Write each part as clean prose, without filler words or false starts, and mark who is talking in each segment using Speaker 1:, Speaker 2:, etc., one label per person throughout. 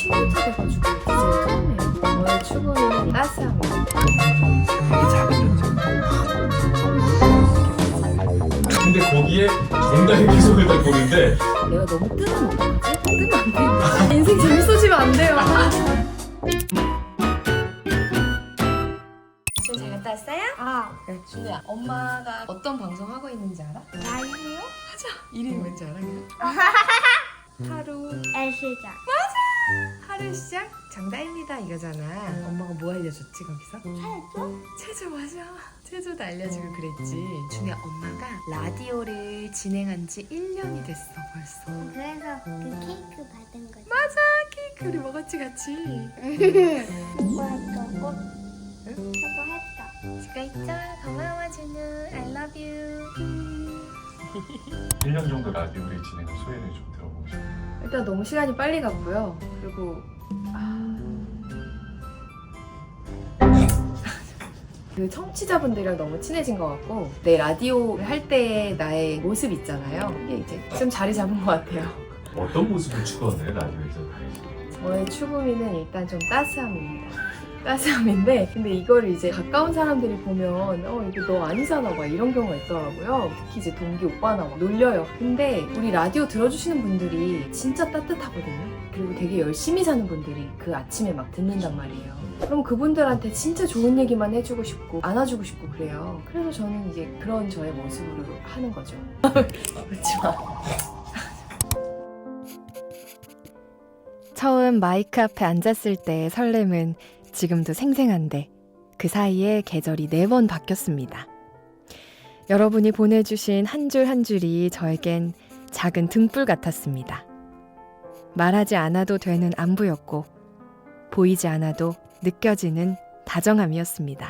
Speaker 1: 10년차 돼가지고 디제이 처음이에요. 저의 추구미는 따스합니다.
Speaker 2: 되게 작은 존재.
Speaker 3: 근데 거기에 정답의 기속을 딱 보는데
Speaker 1: 내가 너무 뜨면 어떡하지? 뜨면 안 돼요. 인생 재밌어지면 안 돼요. 지금 잘 갔다 왔어요? 그래, 준우야, 엄마가 어떤 방송 하고 있는지 알아?
Speaker 4: 라이브요?
Speaker 1: 하자. 이름이 뭔지 알아? 하루
Speaker 4: 애시장.
Speaker 1: 하루 시작 정다입니다 이거잖아. 엄마가 뭐 알려줬지 거기서? 체조 맞아. 체조도 알려주고 그랬지. 준우야, 엄마가 라디오를 진행한 지 1년이 됐어 벌써.
Speaker 4: 그래서 그 케이크 받은 거지.
Speaker 1: 맞아, 케이크 우리 먹었지 같이.
Speaker 4: 뭐 했다고?
Speaker 1: 응?
Speaker 4: 저거 했다.
Speaker 1: 수고했죠. 고마워 준우. I love you.
Speaker 3: 1년 정도 라디오를 진행한 소회를 좀 들어보고 싶어요.
Speaker 1: 일단 너무 시간이 빨리 갔고요. 그리고 그 청취자분들이랑 너무 친해진 것 같고, 내 라디오를 할 때 나의 모습 있잖아요. 이게 이제 좀 자리 잡은 것 같아요.
Speaker 3: 어떤 모습을 추구하나요, 라디오에서?
Speaker 1: 저의 추구미는 일단 좀 따스함입니다. 따스함인데, 근데 이거를 이제 가까운 사람들이 보면 이게 너 아니잖아 막 이런 경우가 있더라고요. 특히 이제 동기 오빠나 막 놀려요. 근데 우리 라디오 들어주시는 분들이 진짜 따뜻하거든요. 그리고 되게 열심히 사는 분들이 그 아침에 막 듣는단 말이에요. 그럼 그분들한테 진짜 좋은 얘기만 해주고 싶고 안아주고 싶고 그래요. 그래서 저는 이제 그런 저의 모습으로 하는 거죠. 그렇지 마. 처음 마이크 앞에 앉았을 때의 설렘은 지금도 생생한데, 그 사이에 계절이 4번 바뀌었습니다. 여러분이 보내주신 한 줄 한 줄이 저에겐 작은 등불 같았습니다. 말하지 않아도 되는 안부였고, 보이지 않아도 느껴지는 다정함이었습니다.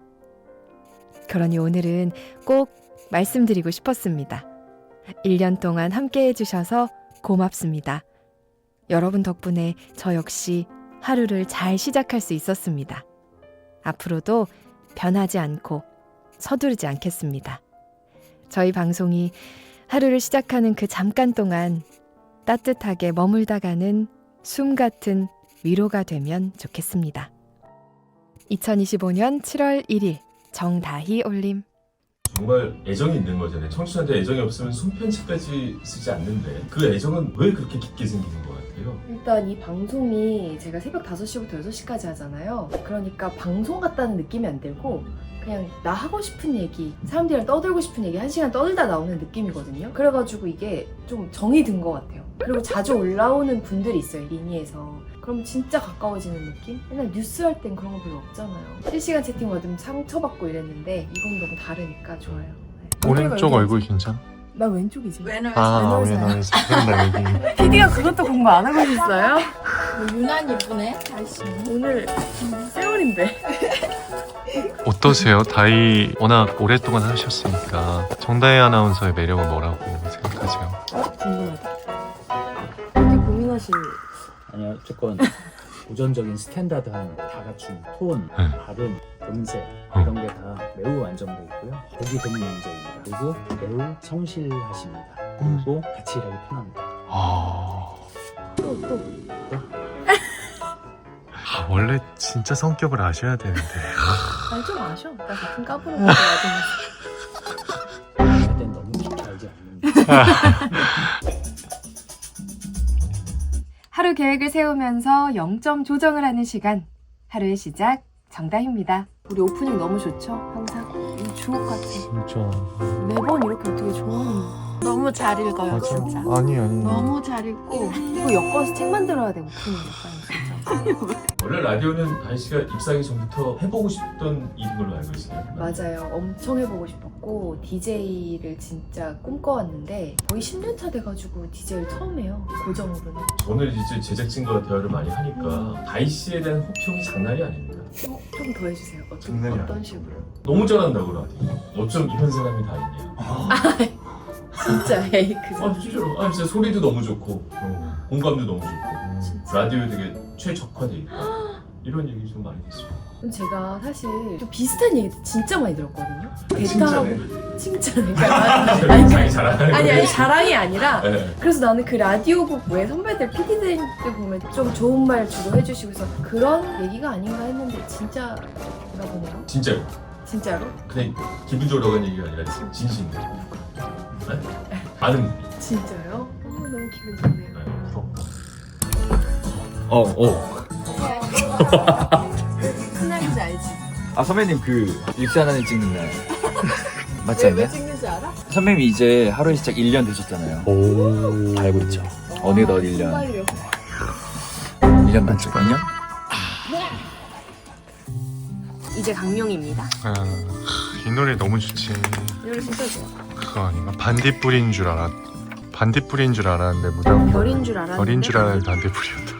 Speaker 1: 그러니 오늘은 꼭 말씀드리고 싶었습니다. 1년 동안 함께 해주셔서 고맙습니다. 여러분 덕분에 저 역시 하루를 잘 시작할 수 있었습니다. 앞으로도 변하지 않고 서두르지 않겠습니다. 저희 방송이 하루를 시작하는 그 잠깐 동안 따뜻하게 머물다 가는 숨 같은 위로가 되면 좋겠습니다. 2025년 7월 1일 정다희 올림.
Speaker 3: 정말 애정이 있는 거잖아요. 청취자한테 애정이 없으면 손편지까지 쓰지 않는데 그 애정은 왜 그렇게 깊게 생기는 것 같아요?
Speaker 1: 일단 이 방송이 제가 새벽 5시부터 6시까지 하잖아요. 그러니까 방송 같다는 느낌이 안 들고 그냥 나 하고 싶은 얘기, 사람들이랑 떠들고 싶은 얘기 1시간 떠들다 나오는 느낌이거든요. 그래가지고 이게 좀 정이 든 것 같아요. 그리고 자주 올라오는 분들이 있어요, 리니에서. 그럼 진짜 가까워지는 느낌? 맨날 뉴스 할 땐 그런 거 별로 없잖아요. 실시간 채팅 받으면 상처받고 이랬는데 이건 너무 다르니까 좋아요. 네.
Speaker 2: 오른쪽
Speaker 1: 여기
Speaker 2: 얼굴 괜찮아?
Speaker 1: 나 왼쪽이지.
Speaker 2: 아,
Speaker 1: 왼쪽이야.
Speaker 2: 왜냐면 그런다 얘기.
Speaker 1: PD가 그것도 공부 안 하고 있어요?
Speaker 4: 유난 예쁘네. 아이씨.
Speaker 1: 오늘 세월인데.
Speaker 2: 어떠세요? 다이 워낙 오랫동안 하셨으니까 정다희 아나운서의 매력은 뭐라고 생각하세요?
Speaker 1: 궁금하다. 이렇게 고민하시는.
Speaker 5: 아니요, 조금 고전적인 스탠다드한 다 갖춘 톤,
Speaker 2: 네.
Speaker 5: 발음, 음색
Speaker 2: 어.
Speaker 5: 이런 게 다 매우 완성돼 있고요. 보기 드문 문제입니다. 그리고 매우 성실하십니다. 그리고 같이 일하기 편합니다.
Speaker 2: 원래 진짜 성격을 아셔야 되는데.
Speaker 1: 아니 좀 아셔. 나 같은 까불어 먹어야
Speaker 5: 그럴 땐 너무 깊게 알지 않는다.
Speaker 1: 하루 계획을 세우면서 0점 조정을 하는 시간. 하루의 시작 정다희입니다. 우리 오프닝 너무 좋죠? 항상 이 주옥 같아.
Speaker 2: 진짜.
Speaker 1: 매번 이렇게 어떻게 좋아하는.
Speaker 4: 너무 잘 읽어요,
Speaker 2: 맞아.
Speaker 4: 진짜.
Speaker 2: 아니.
Speaker 4: 너무 잘 읽고.
Speaker 1: 이거 엮어서 책 만들어야 돼 오프닝 약간 진짜.
Speaker 3: 원래 라디오는 다희 씨가 입사하기 전부터 해보고 싶던 일인 걸로 알고 있어요.
Speaker 1: 맞아요. 엄청 해보고 싶었고 DJ를 진짜 꿈꿔왔는데 거의 10년 차 돼가지고 DJ를 처음 해요. 고정으로는.
Speaker 3: 저는 이제 제작진과 대화를 많이 하니까 다희 씨에 대한 호평이 장난이 아닙니다.
Speaker 1: 좀 더 해주세요.
Speaker 2: 장난이
Speaker 1: 어떤
Speaker 2: 아니죠.
Speaker 1: 식으로?
Speaker 3: 너무 잘한다고 라디오. 어쩜 이런 사람이 다 있냐.
Speaker 1: 진짜 에이 그
Speaker 3: 진짜로. 진짜 소리도 너무 좋고 공감도 너무 좋고
Speaker 1: 진짜.
Speaker 3: 라디오에 되게 최적화돼 있고 이런 얘기 좀 많이 됐습니다.
Speaker 1: 제가 사실 좀 비슷한 얘기 진짜 많이 들었거든요.
Speaker 3: 칭찬해.
Speaker 1: 대타하고 칭찬. 그러니까
Speaker 3: 자기 자랑하는
Speaker 1: 아니
Speaker 3: 거예요.
Speaker 1: 자랑이 아니라
Speaker 3: 네.
Speaker 1: 그래서 나는 그 라디오국 외 선배들 PD들 보면 좀 좋은 말 주로 해주시고 해서 그런 얘기가 아닌가 했는데 진짜가 보네요.
Speaker 3: 진짜요.
Speaker 1: 진짜로?
Speaker 3: 그냥 기분 좋으라고 한 얘기가 아니라 진심이에요. 네? 아는 분이.
Speaker 1: 진짜요? 너무 기분 좋네요.
Speaker 3: 네, 부럽다.
Speaker 1: 신나는지 알지?
Speaker 6: 아 선배님 그 입시 하나는 찍는 날 맞지
Speaker 1: 왜
Speaker 6: 않나요?
Speaker 1: 찍는지 알아?
Speaker 6: 선배님이 이제 하루의 시작 1년 되셨잖아요.
Speaker 2: 오.
Speaker 6: 알고 있죠. 어느덧 1년.
Speaker 1: 정말요.
Speaker 6: 1년 반쪽 2년?
Speaker 1: 이제 강룡입니다.
Speaker 2: 아, 이 노래 너무 좋지.
Speaker 1: 이 노래 진짜 좋아.
Speaker 2: 그거 아닌가? 반딧불인 줄 알았는데 무당
Speaker 1: 별인 줄 알았는데
Speaker 2: 별인 줄 알았는데 반딧불이었다고.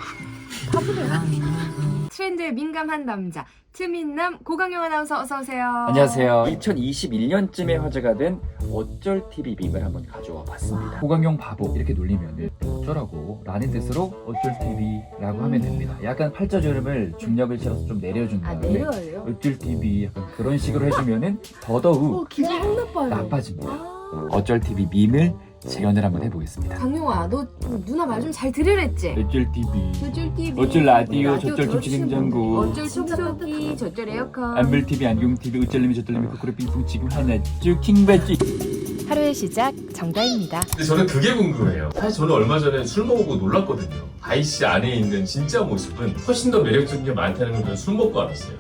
Speaker 1: 트렌드에 민감한 남자 트민남 고강용 아나운서 어서 오세요.
Speaker 6: 안녕하세요. 2021년쯤에 화제가 된 어쩔 TV 밈을 한번 가져와 봤습니다. 호강용 바보 이렇게 놀리면 어쩌라고 라는 뜻으로 어쩔 TV라고 하면 됩니다. 약간 팔자주름을 중력을 실어서 좀 내려준
Speaker 1: 아
Speaker 6: 다음에
Speaker 1: 내려요?
Speaker 6: 어쩔 TV 약간 그런 식으로 해주면은 더더욱
Speaker 1: 기분 확 나빠요.
Speaker 6: 나빠집니다.
Speaker 1: 아,
Speaker 6: 어쩔 TV 밈을 재현을 한번 해보겠습니다.
Speaker 1: 강용아 너 누나 말 좀 잘 들으랬지?
Speaker 6: 어쩔 TV
Speaker 1: 어쩔 TV
Speaker 6: 어쩔 라디오 저쩔 김치 냉장고
Speaker 1: 어쩔 청소기 저쩔 에어컨
Speaker 6: 안물 TV 안경 TV 어쩔님이 저쩔님이 코코로 빙풍 지금 하나 쭉 킹받지.
Speaker 1: 하루의 시작 정다입니다.
Speaker 3: 근데 저는 그게 궁금해요. 사실 저는 얼마 전에 술 먹고 놀랐거든요. 다희 씨 안에 있는 진짜 모습은 훨씬 더 매력적인 게 많다는 걸 그냥 술 먹고 알았어요.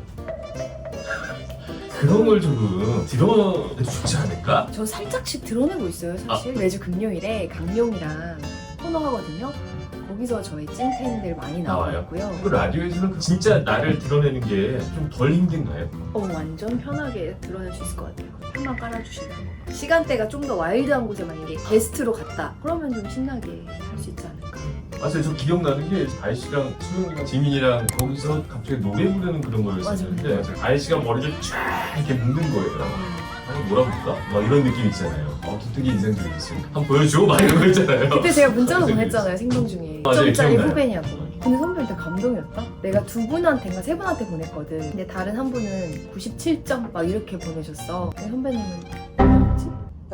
Speaker 3: 그런 걸 조금 드러내도 좋지 않을까?
Speaker 1: 저 살짝씩 드러내고 있어요 사실. 매주 금요일에 강용이랑 코너 하거든요. 거기서 저희 찐팬들 많이
Speaker 3: 나와요?
Speaker 1: 나와있고요.
Speaker 3: 그 라디오에서는 진짜 나를 드러내는 게 좀 덜 힘든가요?
Speaker 1: 완전 편하게 드러낼 수 있을 것 같아요. 편만 깔아주시면 시간대가 좀 더 와일드한 곳에 만약에 게스트로 갔다 그러면 좀 신나게 할 수 있지 않을까.
Speaker 3: 맞아요. 저 기억나는 게 다희 씨랑 수영이랑 지민이랑 거기서 갑자기 노래 부르는 그런 거였었는데 다희 씨가 머리를 쫙 이렇게 묶는 거예요. 아니 뭐라 그럴까? 막 이런 느낌 있잖아요. 되게 인상적이었어요. 한번 보여줘? 막 이런 거 있잖아요.
Speaker 1: 그때 제가 문자로 보냈잖아요 생방 중에.
Speaker 3: 맞아요,
Speaker 1: 1점짜리
Speaker 3: 기억나요.
Speaker 1: 후배냐고. 근데 선배한테 감동이었다? 내가 두 분한테인가 세 분한테 보냈거든. 근데 다른 한 분은 97점 막 이렇게 보내셨어. 근데 선배님은 뭐였지?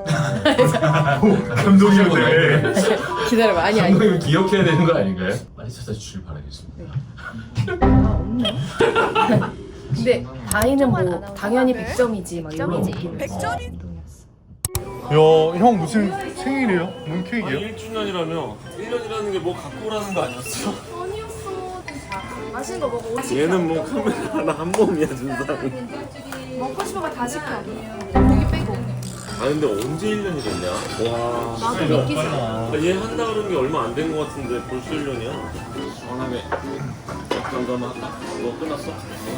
Speaker 3: 감동이었네.
Speaker 1: 기다려봐. 아니
Speaker 3: 감독님 기억해야 되는 거 아닌가요? 많이 찾아주길 바라겠습니다.
Speaker 1: 아 없나? 근데 다이는 뭐 당연히 100점이지 막 이런 느낌. 100점이?
Speaker 2: 야, 형 무슨 생일이에요? 뭔 케이크예요?
Speaker 7: 1주년이라며 1년이라는 게 뭐 갖고 오라는 거 아니었어?
Speaker 1: 아니었어. 맛있는 거 먹어.
Speaker 7: 얘는 뭐 카메라 하나 한 몸이야 준 사람.
Speaker 1: 먹고 싶은 거 다 시켜. 고기 빼고.
Speaker 7: 아 근데 언제 1년이 됐냐? 와.
Speaker 1: 나도 믿기지 않아.
Speaker 7: 얘 한다 그런 게 얼마 안 된 거 같은데 벌써 1년이야? 시원하게 정도 한번 할까? 뭐 끝났어?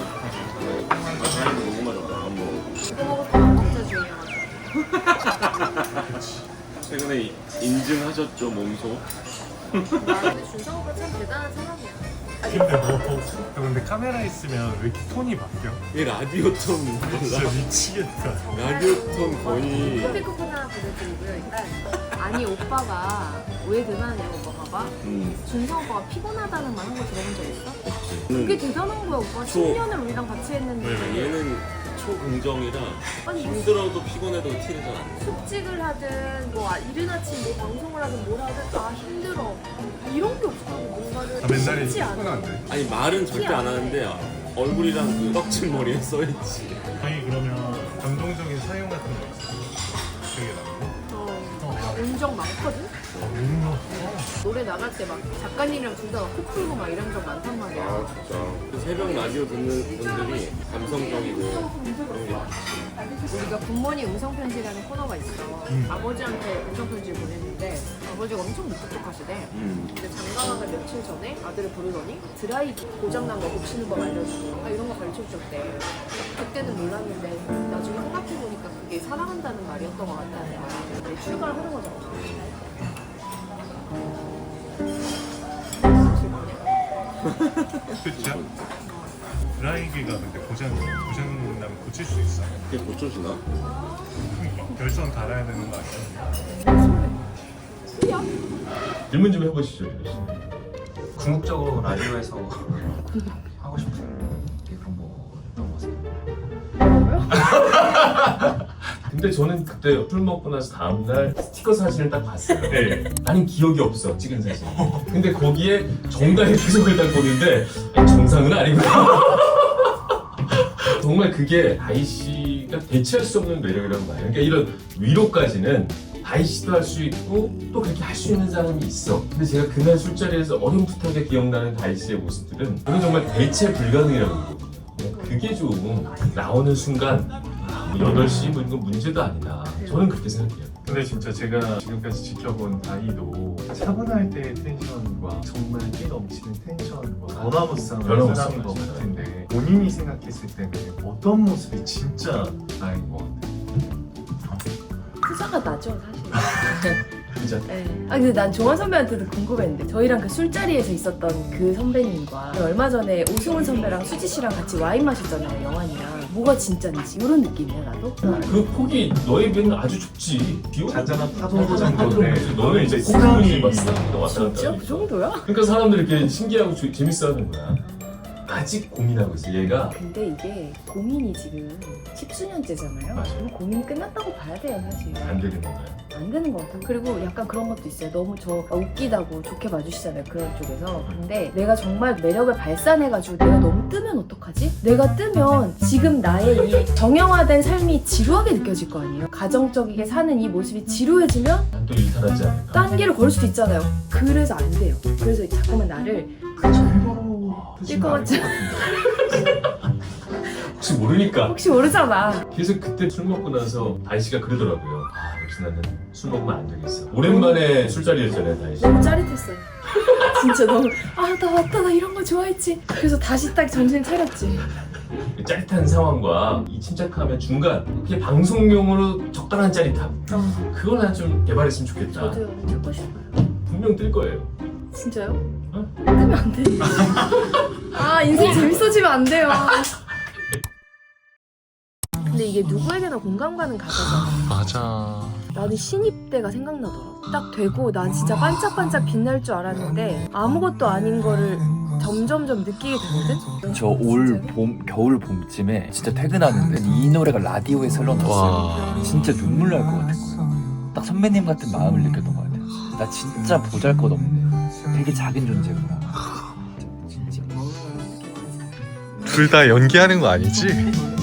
Speaker 7: 다행히 너무 맞았다. 안 먹어.
Speaker 1: 이거 먹었다가 먹자 주의야.
Speaker 7: 최근에 인증하셨죠 몸소?
Speaker 1: 근데 준성 오빠 참 대단한 사람이야.
Speaker 2: 근데 카메라 있으면 왜 이렇게 톤이 바뀌어?
Speaker 7: 얘 라디오 톤 몰라.
Speaker 2: 미치겠다.
Speaker 7: 라디오 톤 거의
Speaker 1: 커피컵 하나 보내드리고요. 일단 아니 오빠가 왜 대단해요 오빠 봐봐. 준성 오빠가 피곤하다는 말 한 거 들어본 적 있어? 그게 대단한 거야 오빠. 10년을 우리랑 같이 했는데
Speaker 7: 얘는 초긍정이라
Speaker 1: 아니
Speaker 7: 힘들어도 피곤해도 티를 잘 안 내.
Speaker 1: 숙직을 하든 뭐 이른 아침 뭐 방송을 하든 뭘 하든 아 힘들어 이런 게 없어. 뭔가를 쉽지 않아.
Speaker 7: 아니 말은 절대 안 하는데 얼굴이랑 그 떡진 머리에 써있지.
Speaker 2: 아니 그러면 감동적인 사용 같은 거 있어? 기억에 남는 거?
Speaker 1: 운정 많거든? 노래 나갈 때 막 작가님이랑 둘 다 코 풀고 막 이런 적 많단 말이야.
Speaker 7: 아 진짜. 그 새벽 라디오 듣는 분들이 감성적이고 그런 게
Speaker 1: 우리가 굿모닝 음성편지라는 코너가 있어. 아버지한테 음성편지를 보냈는데 아버지가 엄청 무뚝뚝하시대. 근데 장가가가 며칠 전에 아들을 부르더니 드라이기 고장난 거 고치는 법 알려주고 이런 거 가르쳐줬대. 그때는 몰랐는데 나중에 생각해보니까 그게 사랑한다는 말이었던 것 같다는 거야. 내 출가를 하는 거잖아.
Speaker 2: 그쵸? 드라이기가 근데 고장나면 고칠 수 있어.
Speaker 7: 그게 고쳐지나?
Speaker 2: 결선 달아야 되는 거 아니야?
Speaker 3: 질문 좀 해보시죠. 이러시.
Speaker 5: 궁극적으로 라디오에서 하고 싶은
Speaker 3: 근데 저는 그때 술 먹고 나서 다음날 스티커 사진을 딱 봤어요.
Speaker 2: 네.
Speaker 3: 나는 기억이 없어, 찍은 사진. 근데 거기에 정당의 표정을 딱 보는데 아니, 정상은 아니구나. 정말 그게 다희 씨가 대체할 수 없는 매력이라고 봐요. 그러니까 이런 위로까지는 다희 씨도 할 수 있고 또 그렇게 할 수 있는 사람이 있어. 근데 제가 그날 술자리에서 어렴풋하게 기억나는 다희 씨의 모습들은 그건 정말 대체 불가능이라고 보거든요. 그게 좀 나오는 순간 뭐 8시 뭐 이건 문제도 아니다. 저는 그렇게 생각해요.
Speaker 2: 근데 진짜 제가 지금까지 지켜본 다희도 차분할 때의 텐션과 정말 끼 넘치는 텐션과 변화무쌍한
Speaker 3: 변화무쌍한
Speaker 2: 사람인 것
Speaker 3: 진짜.
Speaker 2: 같은데 본인이 생각했을 때는 어떤 모습이 진짜 나인 것 같아요?
Speaker 1: 투자가 나죠 사실.
Speaker 3: 진짜.
Speaker 1: 네. 아 근데 난 종환 선배한테도 궁금했는데 저희랑 그 술자리에서 있었던 그 선배님과 얼마 전에 오승훈 선배랑 수지 씨랑 같이 와인 마셨잖아요 영환이랑. 뭐가 진짜인지 이런 느낌이야 나도.
Speaker 3: 그 폭이 너에 비해는 아주 좁지.
Speaker 2: 잔잔한 파도 정도인데
Speaker 3: 너는 이제
Speaker 2: 호감이
Speaker 3: 호감이 왔다 갔다
Speaker 1: 진짜
Speaker 3: 하니까.
Speaker 1: 그 정도야?
Speaker 3: 그러니까 사람들이 이렇게 신기하고 재밌어하는 거야. 아직 고민하고 있어 얘가.
Speaker 1: 근데 이게 고민이 지금 10수년째잖아요.
Speaker 3: 맞아요.
Speaker 1: 그럼 고민이 끝났다고 봐야 돼요 사실.
Speaker 3: 안 되는 건가요?
Speaker 1: 안 되는 것 같아요. 그리고 약간 그런 것도 있어요. 너무 저 웃기다고 좋게 봐주시잖아요. 그런 쪽에서. 근데 내가 정말 매력을 발산해가지고 내가 너무 뜨면 어떡하지? 내가 뜨면 지금 나의 이 정형화된 삶이 지루하게 느껴질 거 아니에요. 가정적이게 사는 이 모습이 지루해지면
Speaker 3: 난 또 일탈하지 않을까?
Speaker 1: 딴 길을 걸 수도 있잖아요. 그래서 안 돼요. 그래서 자꾸만 나를
Speaker 2: 그 정도로
Speaker 1: 찔것 같지?
Speaker 3: 혹시 모르니까.
Speaker 1: 혹시 모르잖아.
Speaker 3: 그래서 그때 술 먹고 나서 다희 씨가 그러더라고요. 아 역시 나는 술 먹으면 안 되겠어. 오랜만에 술자리였잖아요 다희 씨.
Speaker 1: 너무 짜릿했어요. 진짜 너무 나 맞다 나 이런 거 좋아했지. 그래서 다시 딱 정신 차렸지.
Speaker 3: 그 짜릿한 상황과 이 침착함의 중간 그게 방송용으로 적당한 짜릿함 그걸 난 좀 개발했으면 좋겠다.
Speaker 1: 저도요. 듣고 싶어요.
Speaker 3: 분명 뜰 거예요.
Speaker 1: 진짜요?
Speaker 3: 어?
Speaker 1: 뜨면 안 돼. 인생 재밌어지면 안 돼요. 근데 이게 누구에게나 공감 가는 가사잖아.
Speaker 2: 맞아.
Speaker 1: 나는 신입 때가 생각나더라고. 딱 되고 난 진짜 반짝반짝 빛날 줄 알았는데 아무것도 아닌 거를 점점점 느끼게 되거든?
Speaker 6: 저 올 봄, 겨울 봄쯤에 진짜 퇴근하는데 이 노래가 라디오에 흘러나왔어요. 진짜 눈물 날 것 같은 거예요. 딱 선배님 같은 마음을 느꼈던 것 같아요. 나 진짜 보잘것없네. 되게 작은 존재구나.
Speaker 2: 둘 다 연기하는 거 아니지?